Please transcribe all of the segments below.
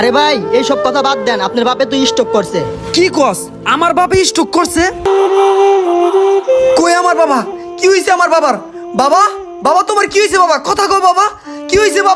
আরে ভাই এই সব কথা বাদ দেন, আপনার বাপে তো স্ট্রোক করছে। কি কস? আমার বাবা স্ট্রোক করছে? কই আমার বাবা? কি হইছে আমার বাবার? বাবা, বাবা তোমার কি হইছে বাবা? কথা কও বাবা, কি হইছে বাবা?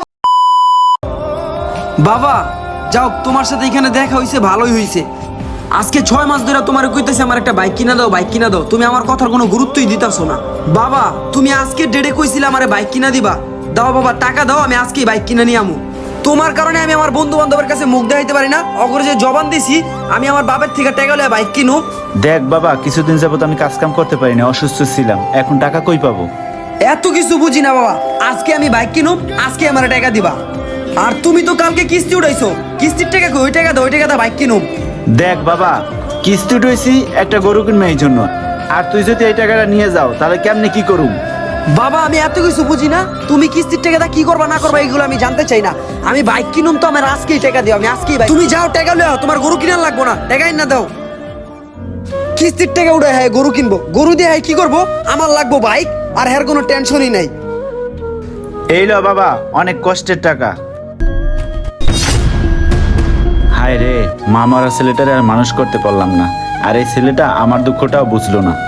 বাবা যাও, তোমার সাথে এখানে দেখা হইছে, ভালোই হইছে। আজকে 6 মাস ধরে তোমার কইতেছে আমার একটা বাইক কিনা দাও, বাইক কিনা দাও। তুমি আমার কথার কোনো গুরুত্বই দিতাছো না। বাবা তুমি আজকে ডেটে কইছিলে আমারে বাইক কিনা দিবা। দাও বাবা, টাকা দাও, আমি আজকেই বাইক কিনা নিয়ে আমু। তোমার কারণে আমি আমার বন্ধু বান্ধবের কাছে মুখ দেখাইতে পারি না। অগরে যে জবান দিছি, আমি আমার বাবার থেকে টাকা লইয়া বাইক কিনু। দেখ বাবা, কিছুদিন যাবত আমি কাজ কাম করতে পারিনি, অসুস্থ ছিলাম, এখন টাকা কই পাবো? এত কিছু বুঝি না বাবা, আজকে আমি বাইক কিনুম, আজকে আমার টাকা দিবা। আর তুমি তো কালকে কিস্তি উঠাইছো, কিস্তির টাকা কই? ওই টাকা দাও, ওই টাকা দাও, বাইক কিনুম। দেখ বাবা, কিস্তি উঠেছি একটা গরু কিনবে এই জন্য, আর তুই যদি এই টাকাটা নিয়ে যাও তাহলে কেমনে কি করুম? বাবা আমি এত কিছু বুঝি না, তুমি কিস্তির টাকাটা কি করবা না করবা এগুলো আমি জানতে চাই না। আমি বাইক কিনুম তো আমার আজকেই টাকা দিও, আমি আজকেই বাইক। তুমি যাও টাকা লও, তোমার গরু কিনা লাগবো না, টাকাই না দাও। কিস্তির টাকা উঠে হ্যাঁ গরু কিনবো, গরু দিয়ে হ্যাঁ কি করবো? আমার লাগবো বাইক, আর হ্যার কোনো টেনশনই নাই। এই লো বাবা, অনেক কষ্টের টাকা। হায় রে, মা মরা ছেলেটারে আর মানুষ করতে পারলাম না, আর এই ছেলেটা আমার দুঃখটাও বুঝলো না।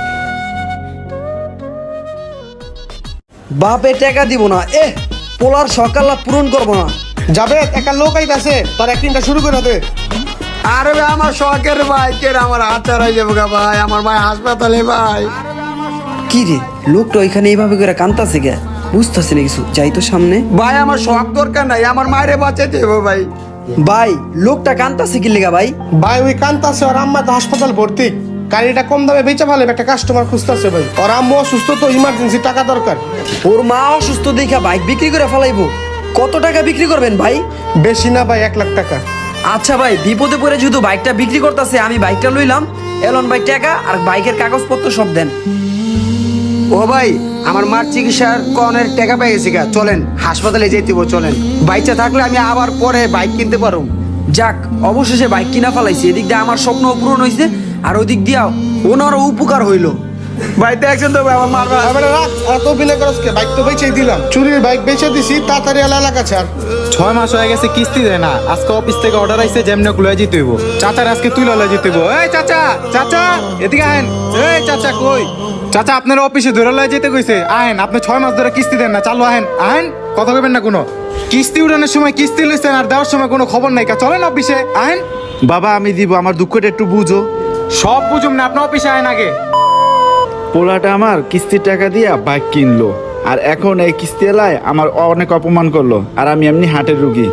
বাপে টাকা দিব না, পোলার সকাল পূরণ করবো না। যাবে একটা লোক আইতাছে, তার অ্যাক্টিংটা শুরু করে দে। আরে ভাই আমার শখের বাইকের আমার হাজার হয়ে যাবো গা ভাই, আমার ভাই হাসপাতালে ভাই। কি রে লোকটা ওইখানে এইভাবে করে কান্তাছে গে, বুঝতেছে না কিছু, যাই তো সামনে। ভাই আমার শখ দরকার নাই, আমার মায়েরে বাঁচাইতে হবে ভাই। ভাই লোকটা কান্তাছে কি লেগা ভাই? ভাই ওই কান্তাছে, ওর আম্মা তো হাসপাতাল ভর্তি, গাড়িটা কম দামে বেচে ফেলে, একটা কাস্টমার খুঁজতেছে ভাই। ওর আম্মু অসুস্থ তো, ইমার্জেন্সি টাকা দরকার। ওর মা অসুস্থ দেখা বাইক বিক্রি করে ফেলাইবো? কত টাকা বিক্রি করবেন ভাই? বেশি না ভাই, 1 লাখ টাকা। আচ্ছা ভাই, বিপদে পড়ে যেহেতু বাইকটা বিক্রি করতেছে, আমি বাইকটা লইলাম। এলন ভাই টাকা আর বাইকের কাগজপত্র সব দেন। ও ভাই আমার মার চিকিৎসার কনের টাকা পেয়ে গেছি গা, চলেন হাসপাতালে যেতে হবে, চলেন। বাইকটা থাকলে আমি আবার পরে বাইক কিনতে পারবো। যাক অবশেষে বাইক কিনা ফেলাইছি, এদিক দিয়ে আমার স্বপ্ন পূরণ হয়েছে, আর ওই দিক দিয়াও ওনারও উপকার হইলো। ভাই দেখছেন তো ভাই আমার মার এবারে রাখ, আর তো অভিনয় করস কে? বাইক তো বেচেই দিলাম, চুরির বাইক বেচে দিছি, তাড়াতাড়ি এলাকা ছাড়। 6 মাস হয়ে গেছে কিস্তি দেয় না, আজকে অফিস থেকে অর্ডার আইছে যেমনে লয়ে যেতে হইব। চাচার আজকে তুই লয়ে যেতে হইব। এই চাচা, চাচা এদিকে আহেন। এই চাচা কই? চাচা আপনার অফিসে ধরে লয়ে যেতে কইছে, আহেন। আপনি 6 মাস ধরে কিস্তি দেন না, চালু আহেন, আহেন। কথা কইবেন না কোনো। কিস্তি উঠানোর সময় কিস্তি লইছেন আর দেওয়ার সময় কোনো খবর নাই, চলেন অফিসে আহেন। বাবা আমি দিব, আমার দুঃখটা একটু বুঝো। সব বুঝুম না, আপনি অফিসে আহেন আগে। পোলাটা আমার কিস্তির টাকা দিয়া বাইক কিনলো, আর এখন এই কিস্তি এলায় আমার অনেক অপমান করলো, আর আমি এমনি হার্টের রুগী।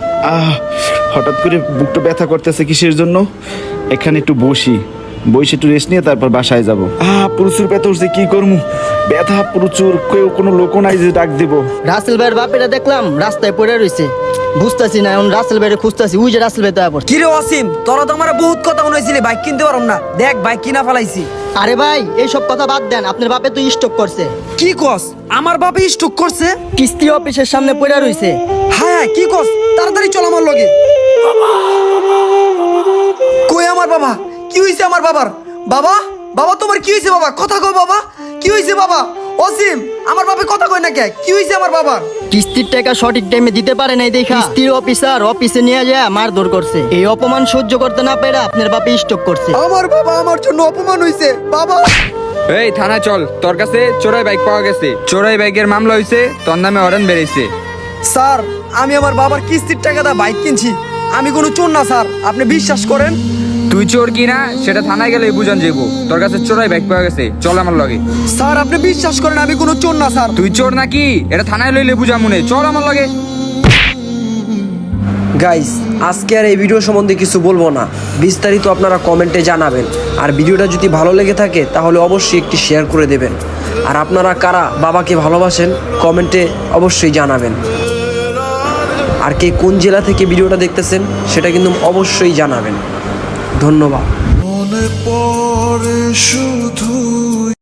হঠাৎ করে বুকটা ব্যথা করতেছে, কিসের জন্য? এখানে একটু বসে একটু রেস্ট নিয়ে তারপর বাসায় যাব। প্রচুর ব্যথা উঠছে, কি করবো? ব্যথা প্রচুর, কেউ কোনো লোকও নাই যে ডাক দেবো। রাসেল ভাইয়ের বাপেরা দেখলাম রাস্তায় পড়ে রয়েছে, বুঝতেছি না এখন রাসেল ভাইয়ের খুঁজতেছি, ওই যে রাসেল ভাই তো পড়ছে। কিরে অসীম, তোরা তো আমার বহুত কথা শুনাইছিলি বাইক কিনতে পারম না, দেখ বাইক কিনা ফেলাইছি। আরে ভাই এই সব কথা বাদ দেন, আপনার বাপে তো স্ট্রোক করছে। কি কস? আমার বাপে স্ট্রোক করছে? কিস্তি অফিসের সামনে পড়ে রয়েছে। হ্যাঁ হ্যাঁ, কি কস? তাড়াতাড়ি চল আমার লগে। কই আমার বাবা? কি হইছে আমার বাবার? বাবা, বাবা তোমার কি হইছে বাবা? কথা কও বাবা, কি হইছে বাবা? অসীম আমার বাপে কথা কই না কে? কি হইছে আমার বাবার? কিস্তির টাকা সঠিক টাইমে দিতে পারে নাই দেখা কিস্তির অফিসার অফিসে নিয়ে যায় মারধর করছে। এই অপমান সহ্য করতে না পেরে আপনার বাপে স্ট্রোক করছে। আমার বাবা আমার জন্য অপমান হইছে বাবা। এই থানায় চল, তোর কাছে চোরাই বাইক পাওয়া গেছে, চোরাই বাইকের মামলা হইছে, তোর নামে অরেন বেরিয়েছে। স্যার আমি আমার বাবার কিস্তির টাকাটা বাইক কিনছি, আমি কোনো চোর না স্যার, আপনি বিশ্বাস করেন। তুই চোর কিনা সেটা থানায় গেলে বুঝান যাবো, তোর কাছে চোরাই বাইক পাওয়া গেছে, চল আমার লগে। স্যার আপনি বিশ্বাস করেন আমি কোনো চোর না স্যার। তুই চোর নাকি এটা থানায় লইলে বুঝা মনে, চল আমার লগে। গাইস আজকে আর এই ভিডিও সম্বন্ধে কিছু বলবো না, বিস্তারিত আপনারা কমেন্টে জানাবেন। আর ভিডিওটা যদি ভালো লেগে থাকে তাহলে অবশ্যই একটি শেয়ার করে দেবেন। আর আপনারা কারা বাবাকে ভালোবাসেন কমেন্টে অবশ্যই জানাবেন। আর কে কোন জেলা থেকে ভিডিওটা দেখতেছেন সেটা কিন্তু অবশ্যই জানাবেন। ধন্যবাদ।